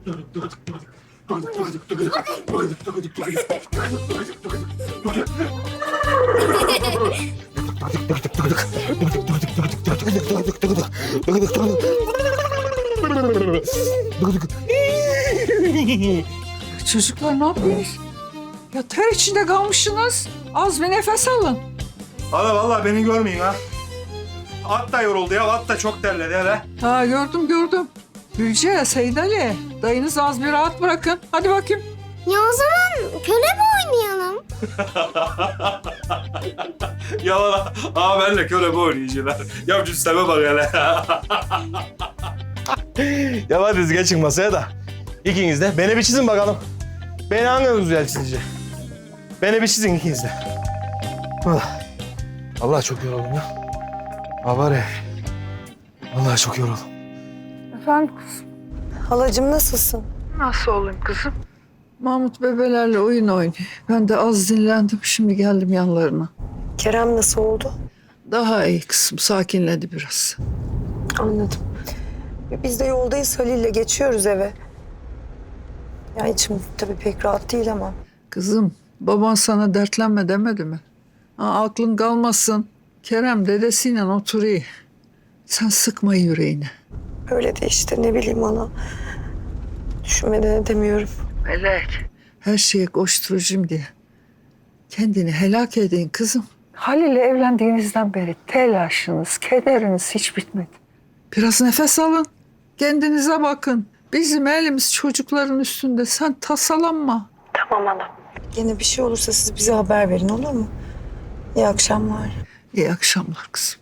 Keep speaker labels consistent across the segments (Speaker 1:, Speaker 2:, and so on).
Speaker 1: Çocuklar ne yapıyorsunuz? Ya ter içinde kalmışsınız. Az bir nefes alın.
Speaker 2: Hala vallahi beni görmeyin ha. At da yoruldu ya. At da çok terledi hele.
Speaker 1: Ha gördüm. Gülce, Seyit Ali, dayınızı az bir rahat bırakın. Hadi bakayım.
Speaker 3: Ya o zaman köle mi oynayalım?
Speaker 2: Yalan. Aa benle köle bu oynayıcılar. Ya cüsteme bak hele. Ya hadi siz geçin masaya da. İkiniz de beni bir çizin bakalım. Beni hanginiz güzel çizecek? Beni bir çizin ikiniz de. Allah çok yoruldum ya. Var ya. Vallahi çok yoruldum.
Speaker 1: Efendim kızım.
Speaker 4: Halacığım nasılsın?
Speaker 1: Nasıl olayım kızım? Mahmut bebelerle oyun oynuyor. Ben de az dinlendim, şimdi geldim yanlarına.
Speaker 4: Kerem nasıl oldu?
Speaker 1: Daha iyi kızım, sakinledi biraz.
Speaker 4: Anladım. Biz de yoldayız Halil'le geçiyoruz eve. Ya içim tabii pek rahat değil ama.
Speaker 1: Kızım, baban sana dertlenme demedi mi? Ha, aklın kalmasın. Kerem dedesiyle oturuyor. Sen sıkma yüreğini.
Speaker 4: Öyle de işte ne bileyim ana. Düşünmeden edemiyorum.
Speaker 1: Melek. Her şeye koşturucuyum diye. Kendini helak edin kızım. Halil'le evlendiğinizden beri telaşınız, kederiniz hiç bitmedi. Biraz nefes alın. Kendinize bakın. Bizim elimiz çocukların üstünde. Sen tasalanma.
Speaker 4: Tamam ana. Yine bir şey olursa siz bize haber verin olur mu? İyi akşamlar.
Speaker 1: İyi akşamlar kızım.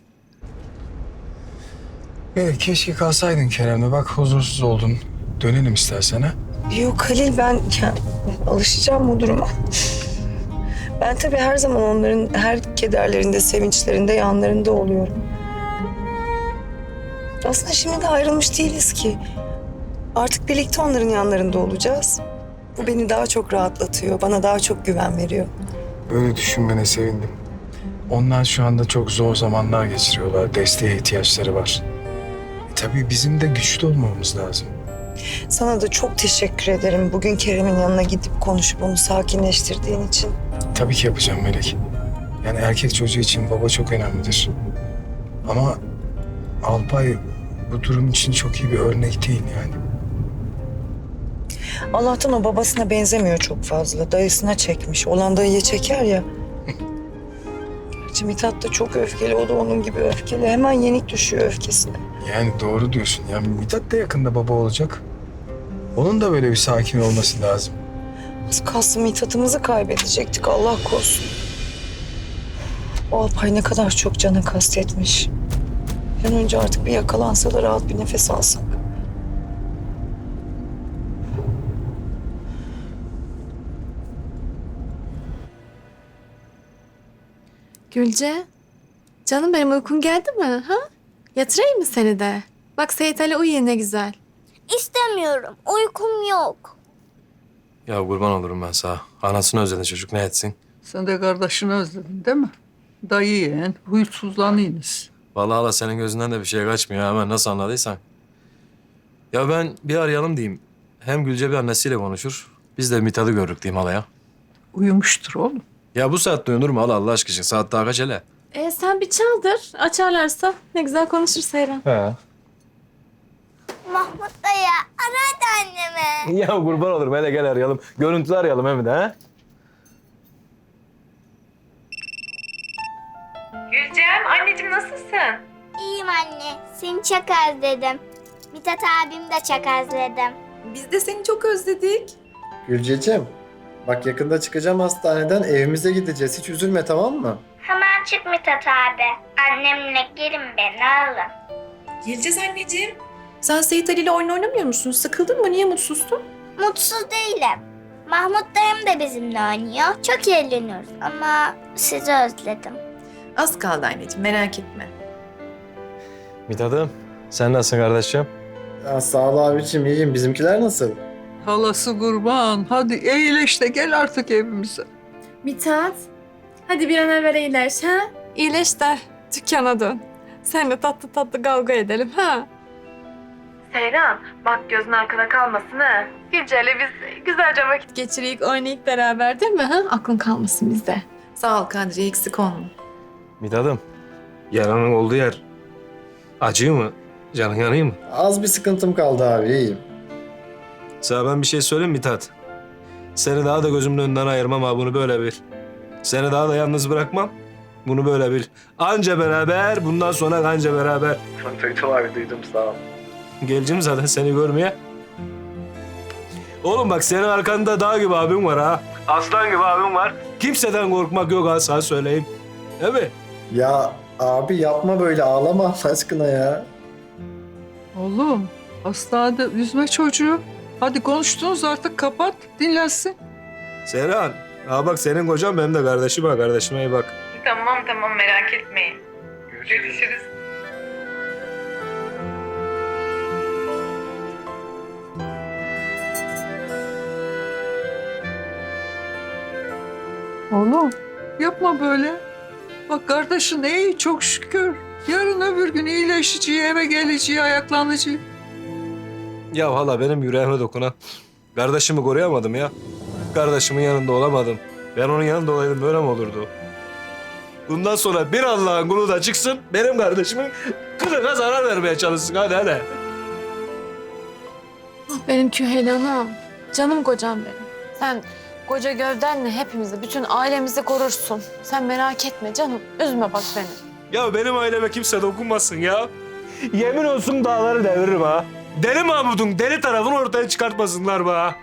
Speaker 5: Evet, keşke kalsaydın Kerem'le. Bak huzursuz oldun. Dönelim istersen ha.
Speaker 4: Yok Halil ben alışacağım bu duruma. Ben tabii her zaman onların her kederlerinde, sevinçlerinde yanlarında oluyorum. Aslında şimdi de ayrılmış değiliz ki. Artık birlikte onların yanlarında olacağız. Bu beni daha çok rahatlatıyor, bana daha çok güven veriyor.
Speaker 5: Böyle düşünmene sevindim. Onlar şu anda çok zor zamanlar geçiriyorlar. Desteğe ihtiyaçları var. Tabii bizim de güçlü olmamız lazım.
Speaker 4: Sana da çok teşekkür ederim bugün Kerem'in yanına gidip konuşup onu sakinleştirdiğin için.
Speaker 5: Tabii ki yapacağım Melek. Yani erkek çocuğu için baba çok önemlidir. Ama Alpay bu durum için çok iyi bir örnek değil yani.
Speaker 4: Allah'tan o babasına benzemiyor çok fazla. Dayısına çekmiş. Olan dayıya çeker ya. Gerçi Mithat da çok öfkeli. O da onun gibi öfkeli. Hemen yenik düşüyor öfkesine.
Speaker 5: Yani doğru diyorsun. Ya Mithat da yakında baba olacak. Onun da böyle bir sakin olması lazım.
Speaker 4: Az kalsın Mithat'ımızı kaybedecektik. Allah korusun. O Alpay ne kadar çok cana kastetmiş. Bir an önce artık bir yakalansa da rahat bir nefes alsak.
Speaker 6: Gülce, canım benim uykun geldi mi? Ha? Yatırayım mı seni de? Bak Seyit Ali uyuyor ne güzel.
Speaker 3: İstemiyorum. Uykum yok.
Speaker 7: Ya kurban olurum ben sana. Anasını özledi çocuk ne etsin?
Speaker 1: Sen de kardeşini özledin değil mi? Dayı yeğen, huysuzlanıyınız.
Speaker 7: Vallahi hala senin gözünden de bir şey kaçmıyor hemen nasıl anladıysan. Ya ben bir arayalım diyeyim. Hem Gülce bir annesiyle konuşur. Biz de Mithat'ı görürük diyeyim halaya.
Speaker 1: Uyumuştur oğlum.
Speaker 7: Ya bu saatte uyunur mu hala Allah aşkına? Saat daha kaç hele?
Speaker 6: Sen bir çaldır. Açarlarsa ne güzel konuşur Seyran.
Speaker 7: He.
Speaker 3: Mahmut dayı ara hadi anneme.
Speaker 7: Ya kurban olurum hele gel arayalım. Görüntülü arayalım hem de ha.
Speaker 6: Gülcem anneciğim nasılsın?
Speaker 3: İyiyim anne. Seni çok özledim. Mithat abim de çok özledim.
Speaker 6: Biz de seni çok özledik.
Speaker 8: Gülceciğim, bak yakında çıkacağım hastaneden, evimize gideceğiz. Hiç üzülme, tamam mı?
Speaker 3: Hemen çık Mithat abi. Annemle gelin beni alın.
Speaker 9: Geleceğiz anneciğim. Sen Seyit Ali ile oyun oynamıyor musun? Sıkıldın mı? Niye mutsuzsun?
Speaker 3: Mutsuz değilim. Mahmut dayım da bizimle oynuyor. Çok eğleniyoruz ama sizi özledim.
Speaker 9: Az kaldı anneciğim, merak etme.
Speaker 7: Mithat'ım sen nasılsın kardeşim?
Speaker 8: Ya, sağ ol abiciğim, iyiyim. Bizimkiler nasıl?
Speaker 1: Halası kurban. Hadi iyileş de gel artık evimize.
Speaker 6: Mithat, hadi bir an evvel iyileş ha? İyileş de dükkana dön. Seninle tatlı tatlı kavga edelim ha? Seyran, bak gözün arkada kalmasın ha. Gülce'yle biz güzelce vakit geçireyik, oynayık beraber değil mi? Ha? Aklın kalmasın bizde.
Speaker 9: Sağ ol Kadriye, eksik olma.
Speaker 7: Mithat'ım, yaranın olduğu yer acıyor mu? Canın yanıyor mu?
Speaker 8: Az bir sıkıntım kaldı abi, iyiyim.
Speaker 7: Sana ben bir şey söyleyeyim mi Mithat? Seni daha da gözümün önünden ayırmam ha, bunu böyle bil. Seni daha da yalnız bırakmam. Bunu böyle bil. Anca beraber, bundan sonra anca beraber.
Speaker 8: Duydum abi, duydum, sağ ol.
Speaker 7: Geleceğim zaten seni görmeye. Oğlum bak, senin arkanda dağ gibi abim var ha. Aslan gibi abim var. Kimseden korkmak yok ha, sana söyleyeyim. Değil mi?
Speaker 8: Ya abi yapma böyle, ağlama Allah aşkına ya.
Speaker 1: Oğlum hastanede üzme çocuğu. Hadi konuştunuz artık, kapat dinlensin.
Speaker 7: Serhan, ha bak senin kocan benim de kardeşim ha. Kardeşime iyi bak.
Speaker 9: Tamam merak etmeyin. Görüşürüz.
Speaker 1: Oğlum yapma böyle. Bak kardeşin iyi çok şükür. Yarın öbür gün iyileşeceği, eve geleceği, ayaklanacağı.
Speaker 7: Ya hala benim yüreğime dokunan. Kardeşimi koruyamadım ya. Kardeşimin yanında olamadım. Ben onun yanında olaydım, böyle mi olurdu? Bundan sonra bir Allah'ın kulu da çıksın, benim kardeşimin kılına zarar vermeye çalışsın. Hadi.
Speaker 6: Benim Küheylan'ım, canım kocam benim. Sen koca gövdenle hepimizi, bütün ailemizi korursun. Sen merak etme canım, üzme bak beni.
Speaker 7: Ya benim aileme kimse dokunmasın ya. Yemin olsun dağları deviririm ha. Deli Mahmud'un deli tarafını ortaya çıkartmasınlar be ha.